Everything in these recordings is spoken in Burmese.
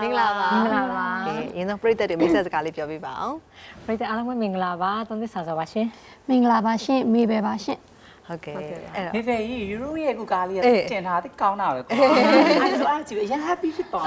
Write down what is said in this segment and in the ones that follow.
မင်္ဂလာပါရင်းဆုံးပရိသတ်တွေမိတ်ဆက်စကားလေးပြောပြပါအောင်ပရိသတ်အားလုံးပဲမင်္ဂလာပါသုံးသစ္စာဆိုပါရှင်မင်္ဂလာပါရှင်မေပဲပါရှင်ဟုတ်ကဲ့အဲ့တော့မေပဲကြီးယူရိုရဲ့ကူကားလေးတင်ထားသိကောင်းတာပဲကွာအဲ့ဆိုအားကြည့်အရင် happy ဖြစ်သွား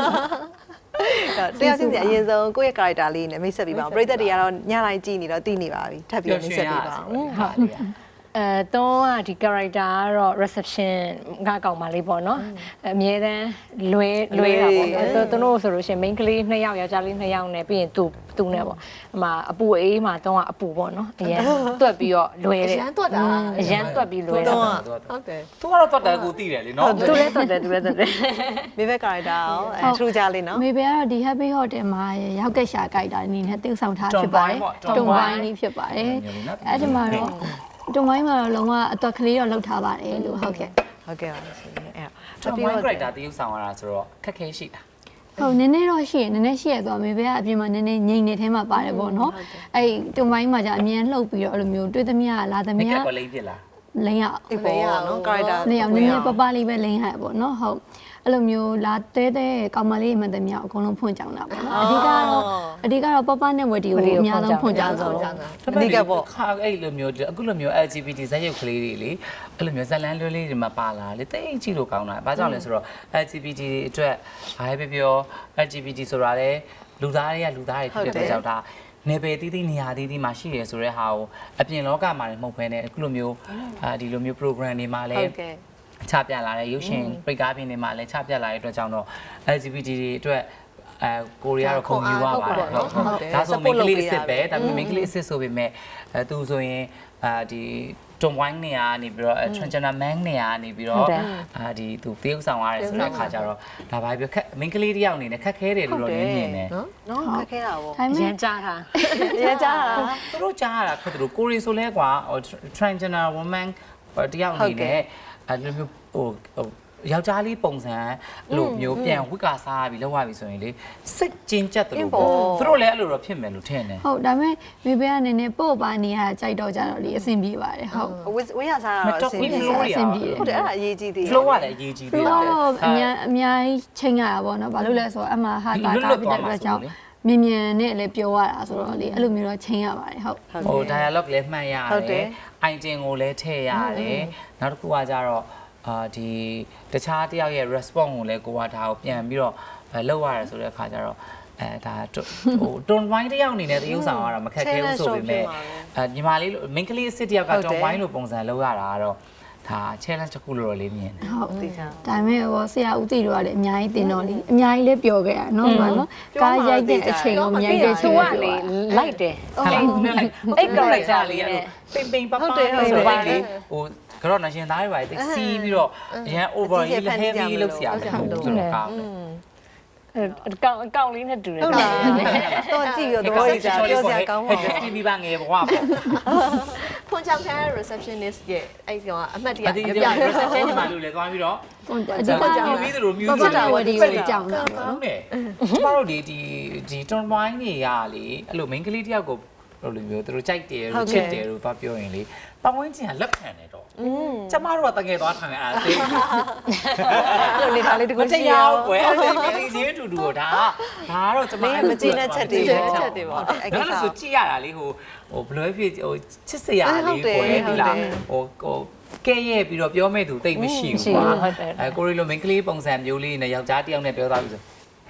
တရားချင်းစီအရင်ဆုံးကိုယ့်ရဲ့ character လေးနဲ့မိတ်ဆက်ပြပါအောင်ပရိသတ်တွေကတော့ညတိုင်းကြည့်နေတော့သိနေပါပြီထပ်ပြီးမိတ်ဆက်ပြပါအောင်တော့ဒီ character ကတော့ reception ကကောင်းပါလေးပေါ့နော်အမြဲတမ်းလွဲတာပေါ့နော်သူတို့ဆိုလို့ရှိရင် main ကလေး2ယောက်ယောက်ျားလေး2ယောက်နဲ့ပြီးရင်သူနဲ့ပေါ့အမအပူအေးမှာတော့အပူပေါ့နော်အရင်တွက်ပြီးတော့လွဲတယ်အရန်တွက်တာအရန်တွက်ပြီးလွဲတာဟုတ်တယ်သူကတော့တွက်တယ်ကိုသိတယ်လေနော်သူလည်းတွက်တယ်မေဘ character ရောထူးကြလေးနော်မေပဲကတော့ဒီ happy hotel မှာရောက်ကက်ရှာ character အနေနဲ့တိကျဆောင်ထားဖြစ်ပါတယ်တုံဝိုင်းလေးဖြစ်ပါတယ်အဲ့ဒီမှာတော့တုံဝိုင်းမှာတော့လုံးဝအတော်ကလေးတော့လှုပ်ထားပါတယ်လို့ဟုတ်ကဲ့ပါရှင်အဲ့တော့တုံဝိုင်း character တရုပ်ဆောင်ရတာဆိုတော့ခက်ခဲရှိတာဟုတ်နည်းနည်းတော့ရှိရနည်းနည်းရှိရတော့မေပဲကအပြင်မှာနည်းနည်းငိမ့်နေထဲမှာပါတယ်ပေါ့နော်အဲ့တုံဝိုင်းမှာじゃအမြင်လှုပ်ပြီးတော့အဲ့လိုမျိုးတွေ့သမျှလာသမျှကက်ကိုလိမ့်ဖြစ်လားလိမ့်ရလိမ့်ရနော် character နည်းနည်းပပလေးပဲလိမ့်ရပေါ့နော်ဟုတ်အဲ့လိုမျိုးလာတဲကောင်မလေးမှန်တယ်မြောက်အကုန်လုံးဖွင့်ကြောင်တာပေါ့နော်အဓိကတော့ပပနဲ့ဝတီကိုအများဆုံးဖွင့်ကြောင်ဆိုတော့အဓိကပေါ့ခါအဲ့လိုမျိုးအခုလိုမျိုး LGBT ဇာတ်ရုပ်ကလေးတွေလေအဲ့လိုမျိုးဇာတ်လမ်းလွဲလေးတွေမှာပါလာလေတိတ်ကြည့်လို့ကောင်းတာဘာကြောင့်လဲဆိုတော့ LGBT အတွက်ဘာပဲပြော LGBT ဆိုတာလေလူသားတွေကလူသားတွေဖြစ်တဲ့ကြောင့်ဒါနေပယ်တီးတီးနေရာတီးတီးမှာရှိရဆိုတဲ့ဟာကိုအပြင်လောကမှာလည်းမဟုတ်ဘဲနဲ့အခုလိုမျိုးဒီလိုမျိုး program တွေမှာလည်းချပြလာတဲ့ရုပ်ရှင်ပြကားပြင်တွေမှာလည်းချပြလာတဲ့အတွက်ကြောင့်တော့ LGBT တွေအတွက်ကိုရီးယားတော့ခုံယူရပါတယ်ဟုတ်ဒါဆိုမိန်းကလေးအစ်စ်ပဲဒါပေမဲ့မိန်းကလေးအစ်စ်ဆိုပေမဲ့သူဆိုရင်ဒီတုံဝိုင်းနေရနေပြီးတော့ transgender man နေရနေပြီးတော့ဒီသူတရုပ်ဆောင်ရတယ်ဆိုတဲ့အခါကျတော့ဒါပါပဲမိန်းကလေးတယောက်အနေနဲ့ခက်ခဲတယ်လို့တော့မြင်နေတယ်နော်ခက်ခဲတာပေါ့ရန်ကြားတာရန်ကြားတာသူတို့ကြားရတာခက်တယ်လို့ကိုရီဆိုလဲကွာ transgender woman တယောက်အနေနဲ့အဲ့လိုမျိုးဟိုယောက်ျားလေးပုံစံလို့မျိုးပြန်ဝိကာစားပြီးလောက်ရပြီဆိုရင်လေစိတ်ကျဉ်ကျက်တယ်လို့ပေါ့သူတို့လည်းအဲ့လိုတော့ဖြစ်မယ်လို့ထင်တယ်ဟုတ်ဒါပေမဲ့မေဘေကနေနဲ့ပို့ပါနေရကြိုက်တော့ကြတော့လေအဆင်ပြေပါတယ်ဟုတ်ဝေးရစားတာတော့အဆင်ပြေဟုတ်တယ်အဲ့ဒါအရေးကြီးသေးတယ် flow ကလည်းအရေးကြီးသေးတယ်အများကြီးချိန်ရတာပေါ့နော်ဘာလို့လဲဆိုတော့အမှဟာတာတာပြတဲ့အတွက်ကြောင့်မြင်နဲ့လည်းပြောရတာဆိုတော့လေအဲ့လိုမျိုးတော့ချိန်ရပါတယ်ဟုတ်ဟို dialogue လည်းမှတ်ရတယ် item ကိုလည်းထည့်ရတယ်နောက်တစ်ခုကကြတော့ဒီတခြားတယောက်ရဲ့ response ကိုလည်းကိုကဒါကိုပြန်ပြီးတော့လောက်ရတယ်ဆိုတဲ့အခါကျတော့ဒါဟိုတွန်ဝိုင်းတယောက်အနေနဲ့တရုပ်ဆောင်ရတာမခက်ခဲဘူးဆိုပေမဲ့ညီမလေးမိန်းကလေးအစ်စ်တယောက်ကတွန်ဝိုင်းလိုပုံစံလောက်ရတာကတော့ဒါ challenge တစ်ခုလို့တော့လေးမြင်တယ်ဟုတ်သိချာဒါပေမဲ့ဟိုဆရာဦးတီတို့ကလည်းအများကြီးတင်တော့လေအများကြီးလည်းပျော်ခဲ့တာနော်ဗာနော်ကားရိုက်တဲ့အချိန်ကိုအများကြီးသူကလေလိုက်တယ်အဲ့ character လေးအဲ့ပိန်ပိန်ပပဆိုလိုက်လေဟိုကတော့ national သားတွေပါတိတ်စီးပြီးတော့အရန် over ကြီး heavy လောက်ဆရာမဟုတ်ဘူးဆိုတော့ကောင်းတယ်ကောင်းလေးနဲ့တူတယ်ဟုတ်လားတော့ကြည့်ရတော့ပြောစရာကောင်းပါဘူးဒီမိဘငယ်ဘဝပေါ့ဖွင့်ချောင်းခံ receptionist ရဲ့အဲ့ကောင်အမှတ်တရပြ reception ဒီမှာလို့လေသွားပြီးတော့အဓိကကြောင့်ပြီးသလို music တာဝတီကိုကြောင်းတာပေါ့နော်ကျမတို့ဒီ turn wine တွေကလေအဲ့လို main ကလေးတယောက်ကိုလို့လိုမျိုးသူတို့ကြိုက်တယ်လို့ချစ်တယ်လို့ပြောရင်လေပတ်ဝန်းကျင်ကလက်ခံတယ်တော့ကျမတို့ကတကယ်သွားထိုင်အားသိလို့လေဒါလေးတကူရှိရောကွယ်အဲ့ဒီဈေးတူတူကိုဒါကတော့ကျမမကြည့်တဲ့ချက်တွေပေါ့အဲ့ဒါဆိုကြည့်ရတာလေဟိုဘလွဲဖြစ်ဟိုချစ်စရာလေးကွယ်ဒီလားဟိုကဲရဲ့ပြီးတော့ပြောမဲ့သူတိတ်မရှိဘူးကွာကိုရီလိုမင်းကလေးပုံစံမျိုးလေးနဲ့ယောက်ျားတစ်ယောက်နဲ့ပြောသားပြီဆို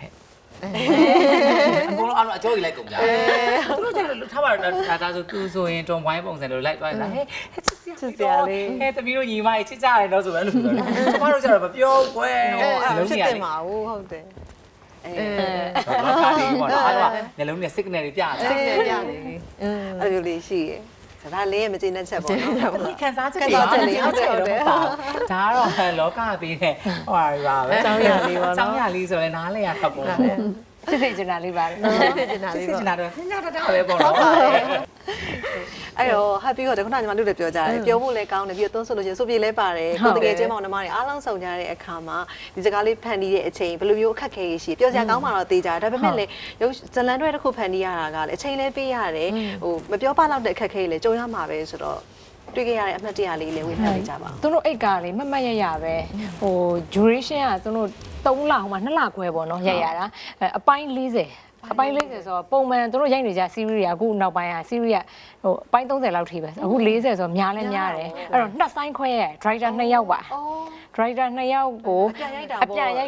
အကုန်လုံးအားလုံးအကျိုးကြီးလိုက်ကုန်ကြသူတို့ကျတော့ထားပါတော့ဒါဆိုသူဆိုရင်တွန်ဝိုင်းပုံစံလိုလိုက်သွားလားဟဲ့ချစ်စရာလေးဟဲ့တမီးတို့ညီမကြီးချစ်ကြတယ်တော့ဆိုပဲလို့ပြောတယ်ကျမတို့ကျတော့မပြောကွယ်ချစ်တယ်မှာဟုတ်တယ်ဘာသာဒီပေါ့နော်အဲ့တော့နှလုံးနဲ့ signal တွေပြတယ် signal ပြတယ်အဲ့လိုလေးရှိရဲ့ဒါလေးရဲ့မကျေနပ်ချက်ပေါ့နော်ခံစားချက်တွေဟုတ်တယ်ဒါကတော့လောကပေးတဲ့ဟိုပါပဲအကြောင်းရလေးပေါ့နော်အကြောင်းရလေးဆိုရင်နားလဲရခပ်ပေါ့စစ်စစ်ကျင်တာလေးပါစစ်ကျင်တာလေးပေါ့စစ်ကျင်တာတော့ညတာပဲပေါ့နော်အဲ့တော့ happy ကိုတခုနကညီမတို့လည်းပြောကြတယ်ပြောဖို့လည်းကောင်းတယ်ပြီးတော့သုံးဆိုလို့ချင်းဆိုပြေလဲပါတယ်ကိုတကယ်ကျင်းမောင်နှမတွေအားလုံးစုံကြတဲ့အခါမှာဒီစကားလေးဖန်တီးတဲ့အချိန်ဘယ်လိုမျိုးအခက်ခဲရှိပြောစရာကောင်းမှတော့သိကြတယ်ဒါပေမဲ့လည်းရုပ်ဇလန်တွေတစ်ခုဖန်တီးရတာကလည်းအချိန်လေးပေးရတယ်ဟိုမပြောပလောက်တဲ့အခက်ခဲလေးကြုံရမှာပဲဆိုတော့တွေ့ခဲ့ရတဲ့အမှတ်တရလေးလည်းဝေဖန်ပေးကြပါဦးသူတို့အိတ်ကလေမမတ်ရရပဲဟို duration ကသူတို့ 3လဟိုမှာ2လခွဲပေါ့နော်ရိုက်ရတာအပိုင်း40အပိုင်း40ဆိုတော့ပုံမှန်တို့ရိုက်နေကြ series ကအခုနောက်ပိုင်းက series ကဟိုအပိုင်း30လောက်ထိပဲအခု40ဆိုတော့များလဲများတယ်အဲ့တော့နှစ်ဆိုင်ခွဲရ driver 2ယောက်ပါ driver 2ယောက်ကိုအပြန်ရိုက်တာ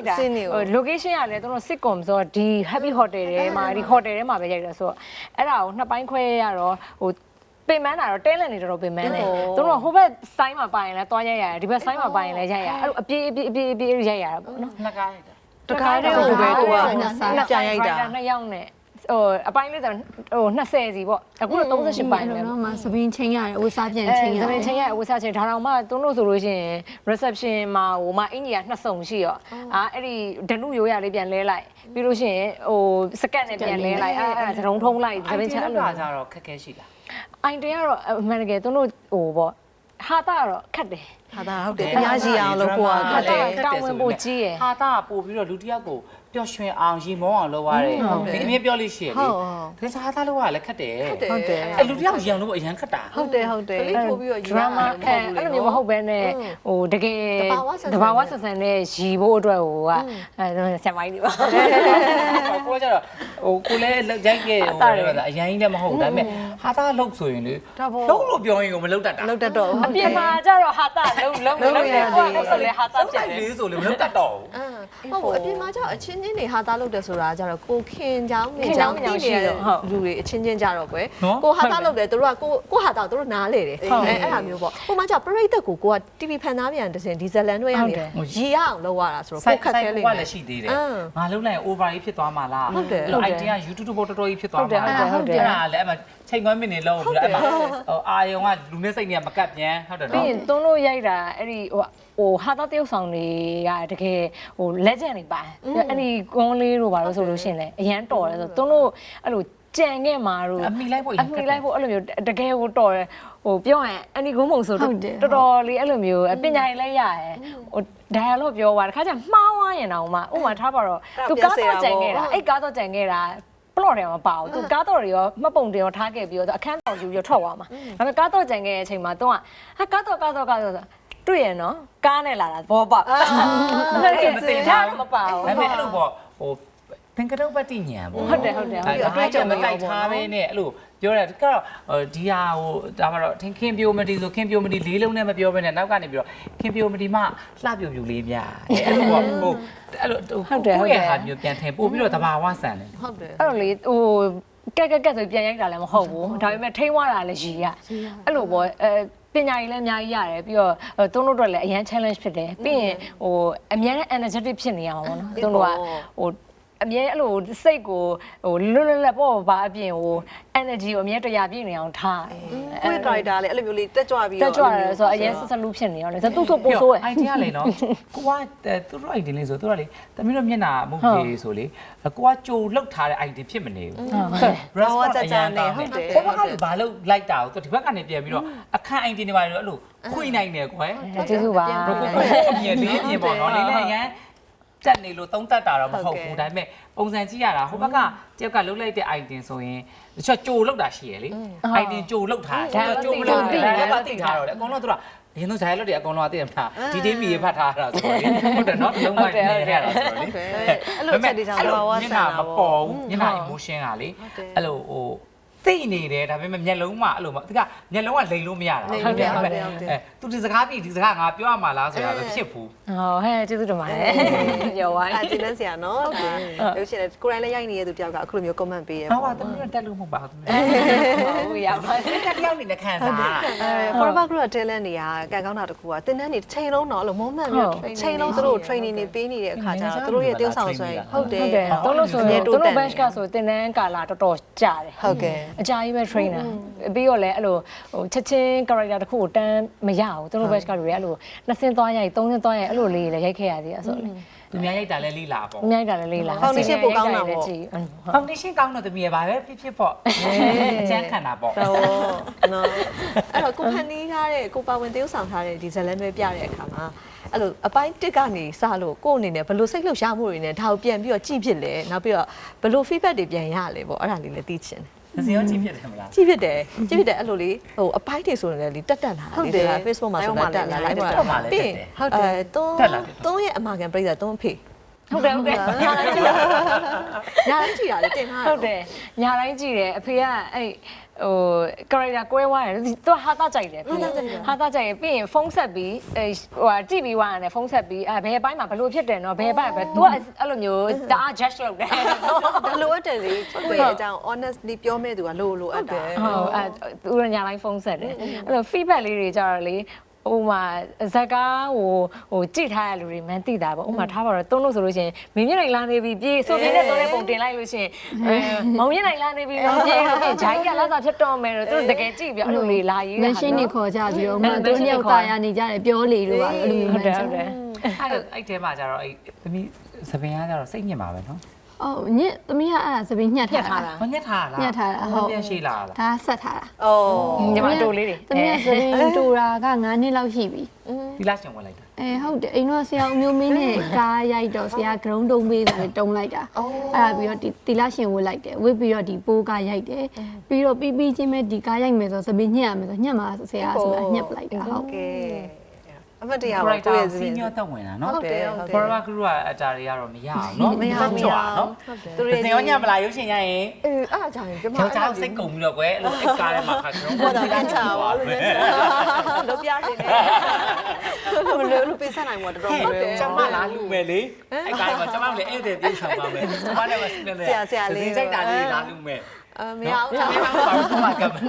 location ကလည်းတို့ sitcom ဆိုတော့ဒီ happy hotel ထဲမှာဒီ hotel ထဲမှာပဲရိုက်တာဆိုတော့အဲ့ဒါကိုနှစ်ပိုင်းခွဲရတော့ဟိုပင်မန်းတာတော့တဲလန်နေတော့ပင်မန်းတယ်သူတို့ဟိုဘက်ဆိုင်မှာပိုင်လဲတွားရိုက်ရတယ်ဒီဘက်ဆိုင်မှာပိုင်လဲရိုက်ရအဲ့လိုအပြေးရိုက်ရတာပေါ့နော်နှစ်ကားရိုက်တာတခါတည်းကိုပဲသူကပြန်ရိုက်တာ 2ယောက်နဲ့ဟိုအပိုင်းလေးဆိုဟို20စီပေါ့အခုတော့38ပိုင်းပဲတော့မှသပင်းချင်းရတယ်ဝစားပြန်ချင်းရတယ်သပင်းချင်းရအဝစားချင်းဒါတော့မှသူတို့ဆိုလို့ရှိရင် reception မှာဟိုမှာအင်ကြီးက2စုံရှိရောအဲ့ဒီဒနုရိုးရလေးပြန်လဲလိုက်ပြီးလို့ရှိရင်ဟိုစကတ်နဲ့ပြန်လဲလိုက်အဲ့သတုံးထုံးလိုက်သပင်းချင်းအဲ့လိုကြတော့ခက်ခဲရှိလားအိုင်တင်ကတော့အမှန်တကယ်သူတို့ဟိုပေါ့ဟာတာကတော့ခက်တယ်ဟာဒါဟုတ်တယ်အများကြီးအောင်လို့ကိုကခက်တယ်တောင်းဝင်ဖို့ကြီးရယ်ဟာတာပို့ပြီးတော့လူတစ်ယောက်ကိုပျော်ရွှင်အောင်ရီမောအောင်လုပ်ရတယ်ဒီအမြင်ပြောလို့ရှိရလေဒါစားဟာတာလို့ကလည်းခက်တယ်ဟုတ်တယ်အဲ့လူတစ်ယောက်ရီအောင်လို့အရန်ခက်တာဟုတ်တယ်ကလေးထိုးပြီးတော့ယူ drama အဲ့လိုမျိုးမဟုတ်ဘဲနဲ့ဟိုတကယ်တဘာဝဆက်ဆံနဲ့ရီဖို့အတွက်ဟိုကဆံမိုင်းတွေပါကိုကျတော့ဟိုကိုလည်းရိုက်ခဲ့ဟိုအရင်ကြီးလည်းမဟုတ်ဒါပေမဲ့ဟာတာလှုပ်ဆိုရင်လေလုံးလို့ပြောရင်ကိုမလှုပ်တတ်တာလောက်တတ်တော့အပြင်မှာကျတော့ဟာတာလုံးရတယ်ဆိုလေဟာတာလှုပ်ပြတိုန်က်တယ်လေးဆိုလေမလှုပ်တတ်တော့ဘူးဟုတ်ဘူးအပြင်မှာကျတော့အချင်းချင်းတွေဟာသားလုပ်တယ်ဆိုတာကျတော့ကိုခင်ချောင်းနေချောင်းတိနေတဲ့လူတွေအချင်းချင်းကြတော့ကွယ်ကိုဟာသားလုပ်တယ်သူတို့ကကိုဟာသားကိုသူတို့နားလေတယ်အဲ့ဒါမျိုးပေါ့ဟိုမှာကျပရိသတ်ကိုကိုက TV ဖန်သားပြန်တစ်စင်ဒီဇလန်တွေကနေရီရအောင်လုပ်ရတာဆိုတော့ကိုခက်ခဲလိမ့်မယ်လည်းရှိသေးတယ်ငါလုံးလိုက် over ကြီးဖြစ်သွားမှာလားအဲ့လို idea YouTube ပေါ်တော်တော်ကြီးဖြစ်သွားမှာလားအဲ့ဒါလည်းအဲ့မှာချိန်ခွန်းမိနေလုံးပြီးတော့အဲ့မှာအာယုံကလူနဲ့စိတ်နဲ့မကပ်ပြန်ဟုတ်တယ်ပြီးနော်ရင်သွန်းလို့ရိုက်တာအဲ့ဒီဟိုဟာတာတယောက်ဆောင်တွေကတကယ်ဟို legend တွေပါအဲ့ဒီကွန်လေးတို့ဘာလို့ဆိုလို့ရှိရင်လည်းအရန်တော်တယ်ဆိုသွန်းလို့အဲ့လိုကြံခဲ့မှာတို့အမိလိုက်ဖို့အမိလိုက်ဖို့အဲ့လိုမျိုးတကယ်ကိုတော်တယ်ဟိုပြောရင်အန်ဒီကုန်းမုံဆိုတော်တော်လေးအဲ့လိုမျိုးပညာရေးလည်းရရဲဟို dialogue ပြောသွားတခါကျမှားသွားရင်တော့မှဥမာထားပါတော့သူကားတော့ကြံခဲ့တာအဲ့ကားတော့ကြံခဲ့တာပလော့တယ်မပါဘူးသူကားတော့တွေရောမှတ်ပုံတွေရောထားခဲ့ပြီးတော့အခန်းတော်ယူပြီးထွက်သွားမှာဒါပေမဲ့ကားတော့ကြံခဲ့တဲ့အချိန်မှာသူကဟာကားတော့တွေ့ရနော်ကားနဲ့လာတာဘောပေါက်အဲ့ဒါထားမပါဘူးဒါပေမဲ့အဲ့လိုပေါ့ဟိုသင်္ကတုပ္ပတိညာပေါ့ဟုတ်တယ်အတွေ့အကြုံမတိုက်ထားပဲနဲ့အဲ့လိုပြောတယ်ကတော့ဒီဟာဟိုဒါမှတော့ခင်ပြိုမတီဆိုခင်ပြိုမတီလေးလုံးနဲ့မပြောဘဲနဲ့နောက်ကနေပြီးတော့ခင်ပြိုမတီမှလှပြိုပြူလေးများအဲ့လိုပေါ့ဟိုအဲ့လိုကိုယ့်ရဲ့ဟာမျိုးပြန်ထည့်ပို့ပြီးတော့တဘာဝဆန်တယ်ဟုတ်တယ်အဲ့လိုလေဟိုကက်ဆိုပြန်ရိုက်တာလည်းမဟုတ်ဘူးဒါပေမဲ့ထိန်းသွားတာလည်းရီရအဲ့လိုပေါ့ပညာရေးလည်းအများကြီးရတယ်ပြီးတော့သူတို့တို့လည်းအရန် challenge ဖြစ်တယ်ပြီးရင်ဟိုအများနဲ့ energetic ဖြစ်နေရမှာပေါ့နော်သူတို့ကဟိုအမြဲအဲ့လိုစိတ်ကိုဟိုလွတ်လွတ်လပ်ပေါ့ဘာအပြင်ဟို energy ကိုအမြဲတရားပြည့်နေအောင်ထားကိုယ့် character လည်းအဲ့လိုမျိုးလေးတက်ကြွပြီးတက်ကြွတယ်ဆိုတော့အရင်ဆက်ဆက်လူဖြစ်နေရောလေဆိုသူ့ဆိုပို့ဆိုးရ idea လေနော်ကိုကသူတို့ idea လေးဆိုသူတို့လေတမီးတို့မျက်နှာမုတ်ကြီးဆိုလေကိုကကြိုလောက်ထားတဲ့ idea ဖြစ်မနေဘူး response ကြကြနဲ့ဟုတ်တယ်ကိုဘက်ကလည်းဘာလို့လိုက်တာကိုသူဒီဘက်ကနေပြန်ပြီးတော့အခန့် idea တွေပါလို့အဲ့လိုခွေနိုင်တယ်ကွယ်ကျေးဇူးပါကိုအမြင်လေးအမြင်ပေါ့နော်လေးလေးရန်တက်နေလို့သုံးတက်တာတော့မဟုတ်ဘူးဒါပေမဲ့ပုံစံကြည့်ရတာဟိုဘက်ကတယောက်ကလှုပ်လိုက်တဲ့ item ဆိုရင်တချို့ကြိုလောက်တာရှိရလေ item ကြိုလောက်ထားကြိုမလောက်ဘူးဒါလည်းသိထားတော့လေအကုန်လုံးသူကရင်းတို့ဇာတ်လို့တွေအကုန်လုံးအသိမှာဒီတေးမီဖတ်ထားတာဆိုတော့လေဟုတ်တယ်နော်လုံးဝနေရတာဆိုတော့လေအဲ့လိုချက်တွေကြောင့်ဘာဝဆန်တာမပေါ်ဘူးညနာ emotion ကလေအဲ့လိုဟိုသိနေတယ်ဒါပေမဲ့မျက်လုံးမှအဲ့လိုဒီကမျက်လုံးကလိန်လို့မရတာသူဒီစကားပြီးဒီစကားငါပြောရမှာလားဆိုတာပဲဖြစ်ဘူးဟောဟဲ့ကျေးဇူးတင်ပါတယ်ပြောပါအဲ့ကျင်းနေစရာနော်ဟုတ်တယ်လို့ရှိရင်ကိုရိုင်းလည်းရိုက်နေတဲ့သူတယောက်ကအခုလိုမျိုး comment ပေးရဟုတ်ပါတမီးတက်လို့မဟုတ်ပါဘူးဟုတ်ရပါတက်တယောက်နေနဲ့ခံစား forever group talent တွေကကန်ကောင်းတာတခုကတင်တန်းနေချိန်လုံးတော့အဲ့လို moment မျိုးချိန်လုံးသူတို့ training တွေပေးနေတဲ့အခါကျတော့သူတို့ရဲ့တင်းဆောင်ဆွဲဟုတ်တယ်တို့လို့ဆိုရင်တို့ bench ကဆိုတင်တန်းကာလာတော်တော်ကြာတယ်ဟုတ်ကဲ့အကြာကြီးပဲ trainer ပြီးတော့လည်းအဲ့လိုဟိုချက်ချင်း character တစ်ခုကိုတန်းမရဘူးတို့ bench ကလူတွေအဲ့လိုနှစ်ဆင်းသွားရိုက်သုံးဆင်းသွားရိုက်အဲ့လိုလေးလည်းရိုက်ခဲ့ရသေးတယ်ဆိုတော့လေသူများရိုက်တာလဲလိလာပေါ့အများကြီးတာလည်းလေးလား foundation ပိုကောင်းတာပေါ့ foundation ကောင်းတော့တမီးရပါပဲဖြစ်ပေါ့အကျန်းခံတာပေါ့ဟုတ်နော်အဲ့တော့ကိုဖန်တီးထားတဲ့ကိုပါဝင်တရုပ်ဆောင်ထားတဲ့ဒီဇလန်တွေပြတဲ့အခါမှာအဲ့လိုအပိုင်း1ကနေစလို့ကို့အနေနဲ့ဘယ်လိုစိတ်လှုပ်ရှားမှုတွေနဲ့ဒါကိုပြန်ပြီးတော့ကြည့်ဖြစ်လဲနောက်ပြီးတော့ဘယ်လို feedback တွေပြန်ရလဲပေါ့အဲ့ဒါလေးလည်းသိချင်တယ်စီရောကြည့်ဖြစ်တယ်မလားကြည့်ဖြစ်တယ်အဲ့လိုလေဟိုအပိုင်းတွေဆိုရင်လည်းတက်လာတယ်ဒါ Facebook မှာဆိုတော့တက်လာလိုက်ပါပြီးဟုတ်တယ်တွန်းရဲ့အမာခံပြိဿတွန်းဖေဟုတ်တယ်ညာတိုင်းကြည့်ညာတိုင်းကြည့်တာလေတင်ထားဟုတ်တယ်ညာတိုင်းကြည့်တယ်အဖေကအဲ့ဟို character ကွဲသွားတယ်သူဟာတာကြိုက်တယ်ဟာတာကြိုက်ရင်ပြီးရင်ဖုန်းဆက်ပြီးဟိုကြည့်ပြီးွားရတယ်ဖုန်းဆက်ပြီးဘယ်ဘိုင်းမှာဘလို့ဖြစ်တယ်နော်ဘယ်ဘိုင်းပဲ तू အဲ့လိုမျိုးတအား judge လုပ်တယ်ဒါလိုအပ်တယ်လေကိုယ့်ရဲ့အကြောင်း honestly ပြောမဲ့သူကလိုအပ်တာဟုတ်အဲ့သူရညာတိုင်းဖုန်းဆက်တယ်အဲ့လို feedback လေးတွေကြတော့လေဥမာဇက်ကားဟိုကြည့်ထားရလူတွေမှန်းသိတာပေါ့ဥမာထားပါတော့တုံးလို့ဆိုလို့ရှိရင်မင်းမြင့်နိုင်လာနေပြီပြေးဆိုပြင်းနဲ့တုံးတဲ့ပုံတင်လိုက်လို့ရှိရင်မောင်မြင့်နိုင်လာနေပြီမောင်ပြေးလို့ဂျိုင်းကလာတာဖြစ်တော့မယ်လို့သူတို့တကယ်ကြည့်ပြီးအဲ့လိုလေးလာရေးတာ machine တွေခေါ်ကြပြီးတော့မှသူညောက်သားရနေကြတယ်ပြောလေလို့ပါအဲ့လိုမျိုးဟုတ်တယ်ဟုတ်တယ်အဲ့ထဲမှာကျတော့အဲ့သမီးသပင်ကကျတော့စိတ်ညစ်မှာပဲနော်အော်ညစ်သမီးကအဲ့ဒါသပင်းညှက်ထားတာမညက်ထားလားညှက်ထားတာဟုတ်ပြန်ရှိလာလားဒါဆက်ထားတာအော်ညီမတို့လေးတွေသမီးကသပင်းတူတာက9နှစ်လောက်ရှိပြီဒီလားရှင်ဝင်လိုက်တာဟုတ်တယ်အိမ်တော့ဆရာအမျိုးမင်းနဲ့ကားရိုက်တော့ဆရာဂရုံးတုံးပေးတယ်တုံးလိုက်တာအဲ့ဒါပြီးတော့ဒီတီလာရှင်ဝတ်လိုက်တယ်ဝတ်ပြီးတော့ဒီပိုးကားရိုက်တယ်ပြီးတော့ပြီးချင်းမဲ့ဒီကားရိုက်မယ်ဆိုသပင်းညှက်ရမယ်ဆိုညှက်မှာဆရာဆိုတာညှက်ပလိုက်တာဟုတ်ကဲအမတရားပါကိုယ့်ရဲ့ဇစီင်းညောတက်ဝင်တာနော်ဟုတ်တယ်ဟုတ်တယ် Forever Crew ကအတားတွေကတော့မရအောင်နော်မရဘူးကြွားနော်သူသူတွေတွေရောညမလာရုပ်ရှင်ရရင်အေးအဲ့ဒါကြောင့်ကျမယောက်ျားစိတ်ကုန်ပြီးတော့ကွယ်အဲ့လိုအိတ်ကားထဲမှာခါကျွန်တော်ဘောတာကန်ချာပါလို့လို့ပြရှင်နေလို့ပေးဆက်နိုင်မှာတော်တော်မလွယ်ကျမလာလူမယ်လေအဲ့ကားမှာကျမလည်းဧည့်သည်ပြေးဆောင်ပါမယ်ကျမလည်းမစနေလေစိတ်ကြိုက်တာလေးလာလူမယ်မရဘူးကျမလည်းပါဘူးမှာကပ်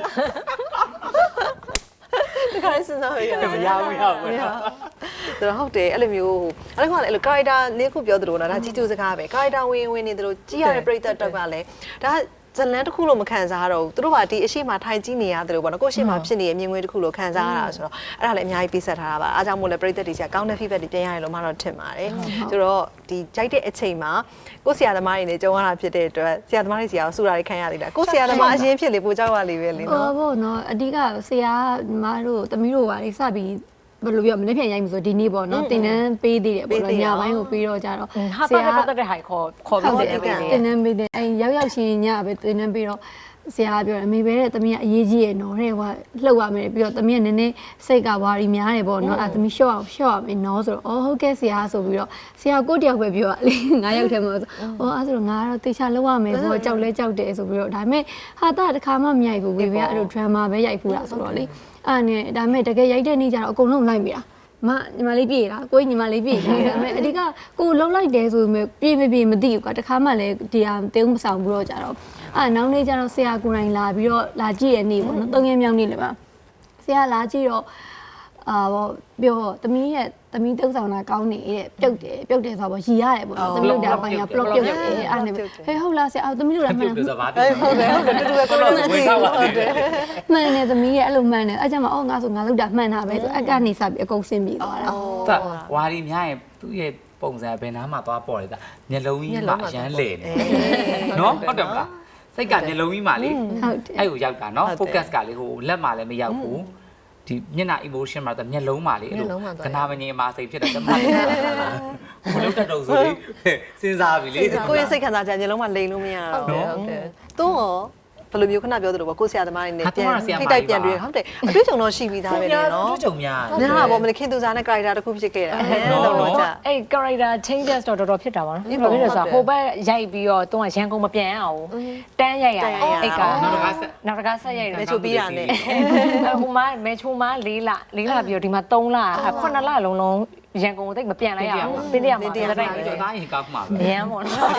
ဒီကနေ့စဉ်းစားရရမရဘူးရဘူးဒါဟုတ်တယ်အဲ့လိုမျိုးအဲ့ဒါကလည်းအဲ့လို character လေးခုပြောသလိုနော်ဒါကြီးကျူးစကားပဲ character ဝင်နေသလိုကြီးရတဲ့ပရိသတ်တော့ကလည်းဒါဇလန်တစ်ခုလို့မခံစားတော့ဘူးသူတို့ကဒီအရှိမထိုင်ကြည့်နေရတယ်လို့ပေါ့နော်ကိုရှိမဖြစ်နေရဲ့မြင်ကွင်းတစ်ခုလို့ခံစားရတာဆိုတော့အဲ့ဒါလည်းအများကြီးပြဆက်ထားတာပါအားကြောင့်မို့လဲပရိသတ်တွေကကောင်းတဲ့ feedback တွေပြန်ရတယ်လို့မှတော့ထင်ပါတယ်ဆိုတော့ဒီကြိုက်တဲ့အချိန်မှာကိုဆရာသမားတွေနဲ့ကြုံရတာဖြစ်တဲ့အတွက်ဆရာသမားတွေစီအောင်စူတာတွေခံရသေးတာကိုဆရာသမားအရင်ဖြစ်လေပိုကြောက်ရလေပဲလေနော်ဟုတ်နော်အဓိကဆရာမတို့တမီးတို့ပါလေစပြီးဘယ်လိုပြောမနေ့ပြန်ရိုက်မှာဆိုဒီနေ့ပေါ့နော်တင်တန်းပေးသေးတယ်ပေါ့နော်ညပိုင်းကိုပြီးတော့ကြတော့ဟာတာပတ်သက်တဲ့ဟာခေါ်ပြီးတယ်တင်တန်းပေးတယ်အဲရောက်ချင်းညပဲတင်တန်းပေးတော့ဆရာပြောတယ်အမေပဲတဲ့သမီးကအရေးကြီးရဲ့နော်တဲ့ဟိုလှုပ်ရမယ်ပြီးတော့သမီးကနည်းနည်းစိတ်ကဝါရီများတယ်ပေါ့နော်အဲသမီးရှော့ရမယ်နော်ဆိုတော့အော်ဟုတ်ကဲ့ဆရာဆိုပြီးတော့ဆရာကိုတယောက်ပဲပြောရလေ9ယောက်ထဲမှာဆိုအော်အဲဆိုတော့ငါကတော့တေချာလှုပ်ရမယ်ပေါ့ကြောက်လဲကြောက်တယ်ဆိုပြီးတော့ဒါပေမဲ့ဟာတာတခါမှမရိုက်ဘူးဝေဘေကအဲ့လို drama ပဲရိုက်ဖူးတာဆိုတော့လေအဲ့နဲ့ဒါပေမဲ့တကယ်ရိုက်တဲ့နေ့ကျတော့အကုန်လုံးလိုက်မိတာညီမလေးပြေလားကိုညီမလေးပြေလားဒါပေမဲ့အဓိကကိုလှုပ်လိုက်တယ်ဆိုပေမဲ့ပြေမပြေမသိဘူးကွာတခါမှလည်းဒီဟာတင်းမဆောင်ဘူးတော့ကြတော့နောက်နေ့ကျတော့ဆရာကိုယ်တိုင်လာပြီးတော့လာကြည့်ရနေပေါ့နော်၃ရက်မြောက်နေ့လည်းပါဆရာလာကြည့်တော့ပြောသမီးတုပ်ဆောင်တာကောင်းနေတဲ့ပြုတ်တယ်ဆိုတော့ရီရတယ်ပေါ့နော်သမီးတို့ဒါပိုင်းက plot ပြုတ်တယ်အဲ့နဲ့ဟဲ့ဟုတ်လားဆရာသမီးတို့လည်းမှန်ပြုတ်ဆိုပါပြီဟုတ်တယ်တူတူပဲကိုလိုဝင်ထားပါတယ်မှန်တယ်သမီးရဲ့အဲ့လိုမှန်တယ်အဲ့ကျမှငါဆိုငါလောက်တာမှန်တာပဲဆိုအကနေစပြီးအကုန်ဆင်းပြီးသွားတာတာဝါရီများရင်သူ့ရဲ့ပုံစံဘယ်နားမှာသွားပေါ်လဲတာမျက်လုံးကြီးမှာအရန်လေနေနော်ဟုတ်တယ်မလားစိတ်ကမျက်လုံးကြီးမှာလေဟုတ်တယ်အဲ့ကိုရောက်တာနော် focus ကလေဟိုလက်မှာလည်းမရောက်ဘူးဒီမျက်နှာ emotion မှာတော့မျက်လုံးမှာလေအဲ့လိုကနာမငြိမ်မှာစိတ်ဖြစ်တာတမန်ဘလို့တက်တော့ဆိုလေစဉ်းစားပြီလေကိုယ့်ရဲ့စိတ်ခံစားချက်ညလုံးမှလိန်လို့မရတော့ဘူးဟုတ်တယ်သူ့ရောဘယ်လိုမျိုးခဏပြောသလိုပေါ့ကိုဆရာသမားတွေနဲ့ပြန်ထိတိုက်ပြန်တွေ့ဟုတ်တယ်အတွေ့အကြုံတော့ရှိပြီးသားပဲလေနော်အတွေ့အကြုံများညာပေါ့မင်းခင်သူစားနဲ့ character တစ်ခုဖြစ်ခဲ့တာတော့ကြာအဲ့ character changes တော့တော်တော်ဖြစ်တာပါနော်ဘာဖြစ်လဲဆိုတော့ဟိုဘက်ရိုက်ပြီးတော့သူကရန်ကုန်မပြန်အောင်တန်းရိုက်ရတာအဲ့ကနောက်တစ်ခါဆက်ရိုက်တယ်မဲချိုပြီးတာနဲ့ဟိုမှာမဲချိုမှာ4လပြီးတော့ဒီမှာ3လ9လလုံးရန်ကုန်ကိုတိတ်မပြန်လိုက်ရဘူးပြင်းရမှာတိုက်ပြီးတော့သားရင်ကောက်မှာပဲရမ်းပေါ့နော်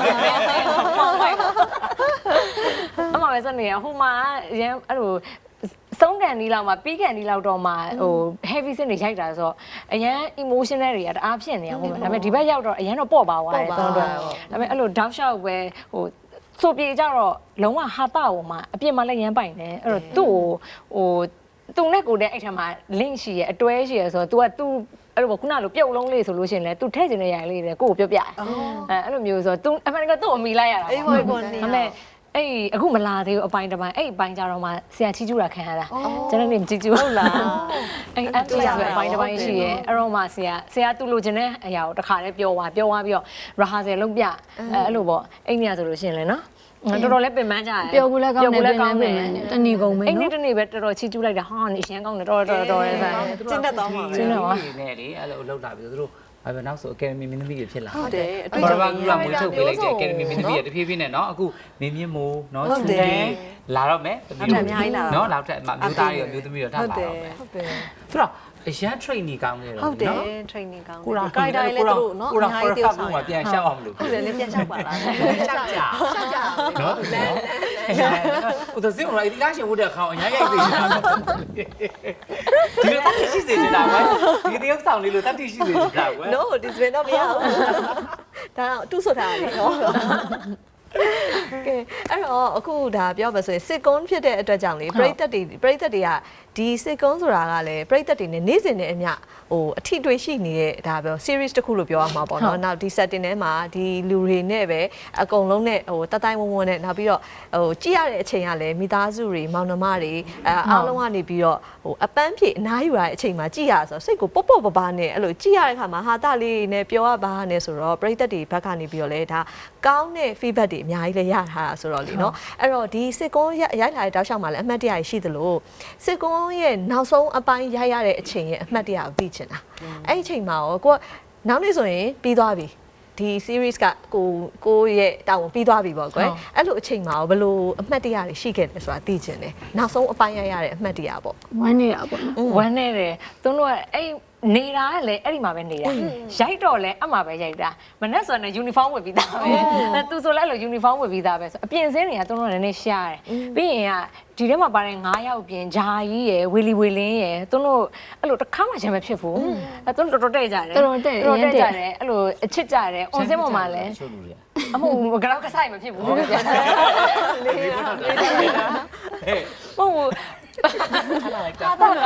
အမပဲစနေဟိုမှာရမ်းအဲ့လိုစုံကန်ဒီလောက်မှာပြီးကန်ဒီလောက်တော့မှဟို heavy စနေရိုက်တာဆိုတော့အရန် emotional တွေကတအားဖြစ်နေရဟိုမှာဒါပေမဲ့ဒီဘက်ရောက်တော့အရန်တော့ပေါ့ပါသွားတယ်သုံးတော့ဒါပေမဲ့အဲ့လို down shot ပဲဟိုဆိုပြေကြတော့လုံးဝဟာတာဟိုမှာအပြစ်မှလည်းရမ်းပိုင်တယ်အဲ့တော့သူ့ဟိုသူနဲ့ကိုတဲ့အဲ့ထက်မှာ link ရှိရအတွဲရှိရဆိုတော့ तू က तू အဲ့လိုခုနလိုပြုတ်လုံးလေးဆိုလို့ရှိရင်လည်း तू ထည့်ချင်တဲ့ຢာလေးတွေကိုကိုပြောပြအဲ့လိုမျိုးဆိုတော့ तू အမှန်က तू အမိလိုက်ရတာအေးဘောကိုနေဒါပေမဲ့အဲ့အခုမလာသေးဘူးအပိုင်းတစ်ပိုင်းအဲ့အပိုင်းကြတော့မှဆရာချီကျူတာခံရတာကျွန်တော်နေချီကျူဟုတ်လားအဲ့အတူရပဲအပိုင်းတစ်ပိုင်းရှိရဲအဲ့တော့မှဆရာသူ့လိုချင်တဲ့အရာကိုတစ်ခါတည်းပြောသွားပြီးတော့ rehearsal လုပ်ပြအဲ့လိုပေါ့အဲ့ညဆိုလို့ရှိရင်လည်းနော်တော်တော်လေးပင်ပန်းကြတယ်ပျော်ကူလည်းကောင်းတယ်ပင်ပန်းတယ်တဏီကုန်ပဲအဲ့နေ့နော်တနေ့ပဲတော်တော်ချီကျူလိုက်တာဟာနေရှမ်းကောင်းတယ်တော်ရဲဆိုင်ကျင်းတတ်သွားမှာကျင်းတော့နေလေအဲ့လိုလောက်လာပြီသူတို့ဘာပဲနောက်ဆို Academy မင်းသမီးတွေဖြစ်လာဟုတ်တယ်အဘာဘာကူလာမွေးထုတ်ပေးလိုက်တဲ့ Academy မင်းသမီးတွေတဖြည်းဖြည်းနဲ့နော်အခုမင်းမြင့်မိုးနော်ချူတယ်လာတော့မယ်နော်နောက်ထပ်မျိုးသားတွေရောမျိုးသမီးတွေထပ်လာတော့မယ်ဟုတ်တယ်ဆိုတော့အရန် training ကောင်းနေတော့ဟုတ်တယ် training ကောင်းတယ် character လည်းသူတို့နော်အများကြီးတယောက်ဆောင်မှာပြန်ရှောက်အောင်လို့ဟုတ်တယ်လည်းပြန်ရှောက်ပါလားရှောက်ကြနော်သူလည်းဟိုတော့စင်ရိုက်ဒီလားရှင်ဝတ်တဲ့ခေါင်းအများကြီးသိနေတာဒီလိုတတ်ရှိစေနေတာကွာဒီတယောက်ဆောင်လေးလို့တတ်ရှိစေနေတာကွာ no this way တော့မရဘူးဒါတော့တူဆိုတာလေနော်ကဲအဲ့တော့အခုဒါပြောပါဆိုရင်စစ်ကုန်းဖြစ်တဲ့အတွက်ကြောင့်လေပရိသတ်တွေကဒီစစ်ကုန်းဆိုတာကလည်းပရိသတ်တွေနဲ့နေ့စဉ်နဲ့အမျှဟိုအထီးတွေရှိနေတဲ့ဒါပြော series တစ်ခုလို့ပြောရမှာပေါ့နော်နောက်ဒီ setting ထဲမှာဒီလူတွေနဲ့ပဲအကုန်လုံးနဲ့ဟိုတတိုင်းဝုံဝုံနဲ့နောက်ပြီးတော့ဟိုကြည့်ရတဲ့အချိန်ကလည်းမိသားစုတွေမောင်နှမတွေအားလုံးကနေပြီးတော့ဟိုအပန်းဖြေအနားယူရတဲ့အချိန်မှာကြည့်ရဆိုတော့စိတ်ကိုပေါ့ပေါ့ပပနဲ့အဲ့လိုကြည့်ရတဲ့အခါမှာဟာတလေးနဲ့ပြောရပါနဲ့ဆိုတော့ပရိသတ်တွေဘက်ကနေပြီးတော့လေဒါကောင်းတဲ့ feedback တွေအများကြီးလည်းရထားတာဆိုတော့လေနော်အဲ့တော့ဒီစစ်ကုန်းရိုက်လာတဲ့တောက်လျှောက်မှာလည်းအမှတ်တရရှိသလိုစစ်ကုန်းရဲ့နောက်ဆုံးအပိုင်းရိုက်ရတဲ့အချိန်ရဲ့အမှတ်တရကိုသိချင်တာအဲ့ဒီအချိန်မှာရောကိုကနောက်နေ့ဆိုရင်ပြီးသွားပြီဒီ series ကကိုရဲ့တာဝန်ပြီးသွားပြီပေါ့ကွယ်အဲ့လိုအချိန်မှာရောဘယ်လိုအမှတ်တရတွေရှိခဲ့လဲဆိုတာသိချင်တယ်နောက်ဆုံးအပိုင်းရိုက်ရတဲ့အမှတ်တရပေါ့ဝမ်းနေတာပေါ့နော်ဝမ်းနေတယ်သူတို့ကအဲ့နေတာကလည်းအဲ့ဒီမှာပဲနေတာရိုက်တော့လဲအမှပဲရိုက်တာမနေ့ဆိုရင် uniform ဝတ်ပြီးသားပဲသူဆိုလဲအဲ့လို uniform ဝတ်ပြီးသားပဲဆိုအပြင်စင်းတွေကသူတို့ကလည်းနည်းရှားတယ်ပြီးရင်ကဒီထဲမှာပါတဲ့9ယောက်ပြင်ဂျာကြီးရယ်ဝီလီဝီလင်းရယ်သူတို့အဲ့လိုတစ်ခါမှချင်မဖြစ်ဘူးသူတို့တော်တော်တဲ့ကြတယ်တော်တော်တဲ့ကြတယ်အဲ့လိုအချစ်ကြတယ်အွန်စင်းပေါ်မှာလည်းအမှုကတော့ကဆိုင်မဖြစ်ဘူးလို့ပြန်လေးဟုတ်အားတော့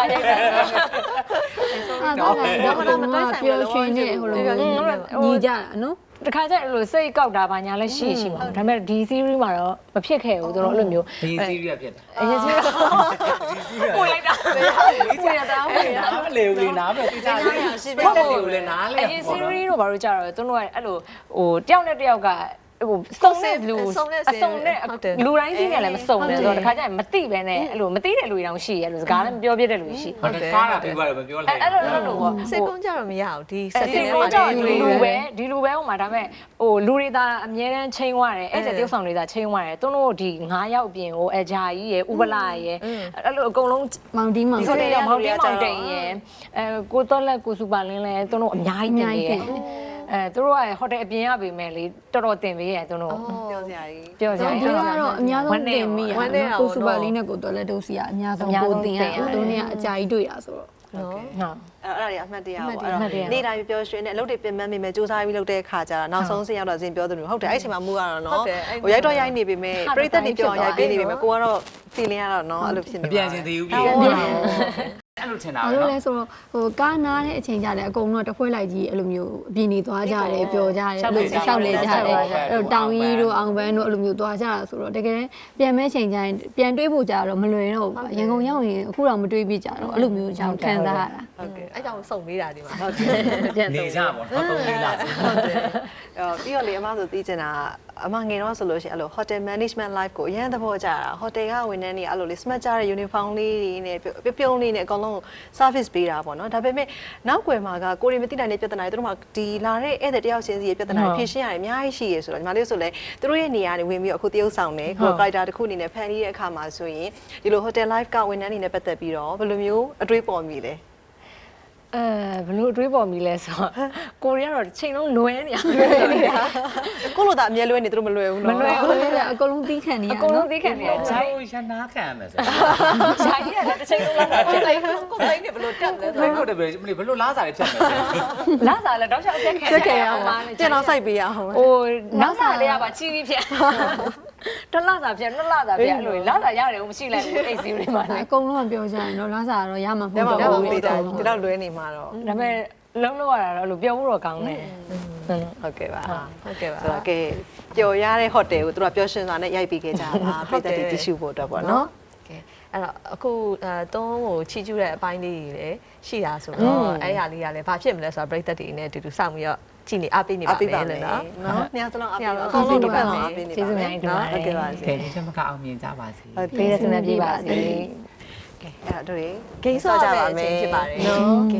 ပြောရှင်နေဟိုလိုညီကြတာနော်တခါကျအဲ့လိုစိတ်ကောက်တာဘာညာလဲရှိမှာဒါပေမဲ့ဒီ series မှာတော့မဖြစ်ခဲ့ဘူးသူတို့အဲ့လိုမျိုးဒီ series ဖြစ်တာအရင် series ကိုလိုက်တာကိုရတာဟုတ်ရနားမလဲဘူးလေနားမလဲတိကျလေးရှိပဲတယ်လေနားလဲအရင် series တို့ဘာလို့ကြတော့သူတို့ကအဲ့လိုဟိုတယောက်နဲ့တယောက်ကဟိုစုံတဲ့လူအစုံနဲ့လူတိုင်းကြီးနဲ့လည်းမစုံနဲ့ဆိုတော့တခါကျရင်မသိပဲနဲ့အဲ့လိုမသိတဲ့လူတွေတောင်ရှိရဲလို့စကားလည်းမပြောပြတဲ့လူရှိဟုတ်တယ်ကားတာပြီးသွားတယ်မပြောလိုက်အဲ့လိုပေါ့စိတ်ကုန်းကြတော့မရဘူးဒီစိ setting တ်ထဲကုမှာန်းကြဒီလူပဲဟိုမှာဒါပေမဲ့ဟိုလူတွေသာအမြဲတမ်းချိန်သွားတယ်အဲ့ကျတယောက်ဆောင်တွေသာချိန်သွားတယ်သူတို့ဒီ9ယောက်ပြင်ဟိုအဂျာကြီးရယ်ဥပလာရယ်အဲ့လိုအကုန်လုံးမောင်တီးမောင်ဆိုတော့မောင်တိန်ရယ်ကိုတော့လက်ကိုစူပါလင်းလဲသူတို့အများကြီးတင်နေရယ်သူတို့ကဟိုတယ်အပြင်ရပေမဲ့လေတော်တော်တင်ပေးရသူတို့ပြောစရာကြီးပြောကြဒီတယ်ကတော့အများဆုံးတင်မိရကိုစူပါလေးနဲ့ကိုတော်လက်ဒုစီကအများဆုံးကိုတင်ရသူတို့เนี่ยအကြာကြီးတွေ့တာဆိုတော့နော်ဟုတ်အဲ့ဒါတွေအမှတ်တရပေါ့အဲ့တော့နေ့တိုင်းပြောရွှင်နဲ့အလုပ်တွေပြင်ပန်းမိမယ်စူးစမ်းပြီးလုပ်တဲ့အခါကျတော့နောက်ဆုံးဆင်းရောက်တော့ဇင်ပြောသလိုဟုတ်တယ်အဲ့ချိန်မှာမူကတော့နော်ဟိုရိုက်တော့ရိုက်နေပေမဲ့ပရိသတ်တွေပြောရိုက်ပေးနေပေမဲ့ကိုကတော့ feeling ရတော့နော်အဲ့လိုဖြစ်နေမပြန်ချင်သေးဘူးပြီအဲ့လိုထင်တာပဲအဲ့လိုနော်လဲဆိုတော့ဟိုကားနားတဲ့အချိန်ကြတယ်အကုန်လုံးတခွဲလိုက်ကြီးအဲ့လိုမျိုးအပြင်းနေသွားကြတယ်ပျော်ကြတယ်အဲ့လိုရှောက်လေကြတယ်အဲ့လိုတောင်ကြီးတို့အောင်ပန်းတို့အဲ့လိုမျိုးသွားကြတာဆိုတော့တကယ်ပြန်မဲ့ချိန်ကျရင်ပြန်တွေးဖို့ကြတော့မလွယ်တော့ဘူးရန်ကုန်ရောက်ရင်အခုတော့မတွေးပြကြတော့အဲ့လိုမျိုးကြောင့်ခံစားရတာဟုတ်ကဲ့အဲ့ကြောင့်စုံပေးတာဒီမှာဟုတ်တယ်နေကြပါတော့သုံးလေးလားဟုတ်တယ်ပြီးတော့လေအမဆိုသိချင်တာအမငယ်တော့ဆိုလို့ရှိရင်အဲ့လို hotel management life ကိုအရင်သဘောကျတာ hotel ကဝန်ထမ်းတွေအဲ့လိုလေ smart ကြတဲ့ uniform လေးတွေနဲ့ပြုံးလေးနဲ့အကုန်လုံး service ပေးတာပေါ့နော်ဒါပေမဲ့နောက်ွယ်မှာကကိုရီမသိနိုင်တဲ့ပြဿနာတွေသူတို့မှဒီလာတဲ့ဧည့်သည်တယောက်ချင်းစီရဲ့ပြဿနာတွေဖြေရှင်းရတယ်အများကြီးရှိရဆိုတော့ညီမလေးဆိုလဲသူတို့ရဲ့နေရာတွေဝင်ပြီးအခုတရုပ်ဆောင်တယ်ကို character တစ်ခုအနေနဲ့ဖန်တီးတဲ့အခါမှာဆိုရင်ဒီလို hotel life ကဝန်ထမ်းတွေနဲ့ပတ်သက်ပြီးတော့ဘယ်လိုမျိုးအတွေးပေါ်မိလဲဘလို့တွေးပေါ်မိလဲဆိုတော့ကိုရီးယားတော့ချိန်လုံးလွဲနေရကိုလိုသာအမြဲလွဲနေသူတို့မလွယ်ဘူးနော်မလွယ်ဘူးလေအကုန်လုံးသီးခံနေရအကုန်လုံးသိခံနေရဂျိုဂျိုင်းင်းရနာခံရမယ်ဆိုဂျိုင်းရတယ်တစ်ချိန်လုံးလာတာဖြစ်လိုက်ကိုယ်တိုင်းနဲ့ဘယ်လိုတက်လဲဘယ်လိုတည်းဘယ်လိုလားစားရဖြတ်မယ်ဆိုလာစားလဲတော့ချက်အချက်ခဲချက်ခဲ့ရအောင်ပြန်တော့စိုက်ပေးရအောင်ဟိုနောက်စားလေးကပါချီးပြီးဖြစ်တစ်လစာဖြစ်နှစ်လစာဖြစ်အဲ့လိုလာစားရတယ်မရှိလိုက်ဘူးအိတ်စီးလေးမှာလေအကုန်လုံးပြောကြရင်တော့လာစားတော့ရမှာမဒါဟုတ်မှမတော့ဟုတ်ဘူးသေးတာဒီတော့လွဲနေမှာတော့ဒါပေမဲ့လုံးလို့ရတာတော့အဲ့လိုပြောဖို့တော့ကောင်းတယ်ဟုတ်ကဲ့ပါဟုတ်ကဲ့ပါဆိုတော့ကဲပျော်ရတဲ့ဟိုတယ်ကိုသူတို့ကပျော်ရွှင်စွာနဲ့ရိုက်ပေးခဲ့ကြတာပြည်သက်တွေတ िश ဖို့အတွက်ပေါ့နော်ကဲအဲ့တော့အခုတုံးကိုချီကျူးတဲ့အပိုင်းလေးတွေလည်းရှိတာဆိုတော့အဲ့ရလေးကလည်းဘာဖြစ်မလဲဆိုတော့ပြိသက်တွေနဲ့အတူတူစောင့်ပြီးတော့ကြည်နေအားပေးနေပါမယ်လို့နော်နော်ညစလုံးအပေးပါအကောင်းဆုံးတစ်ဖက်လုံးအပေးနေပါကျေးဇူးများတင်ပါတယ်ဟုတ်ကဲ့ပါစေကဲဒီချက်မကအောင်မြင်ကြပါစေဟုတ်ပေးရစနေပြပါစေကဲအဲ့တော့တို့ဂိမ်းဆော့ကြပါမယ်ဖြစ်ပါတယ်နော်ကဲ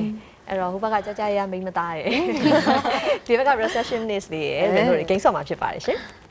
အဲ့တော့ဟိုဘက်ကကြာကြာရမိမသားရယ်ဒီဘက်က receptionist လေးရယ်လို့ဂိမ်းဆော့မှာဖြစ်ပါတယ်ရှင်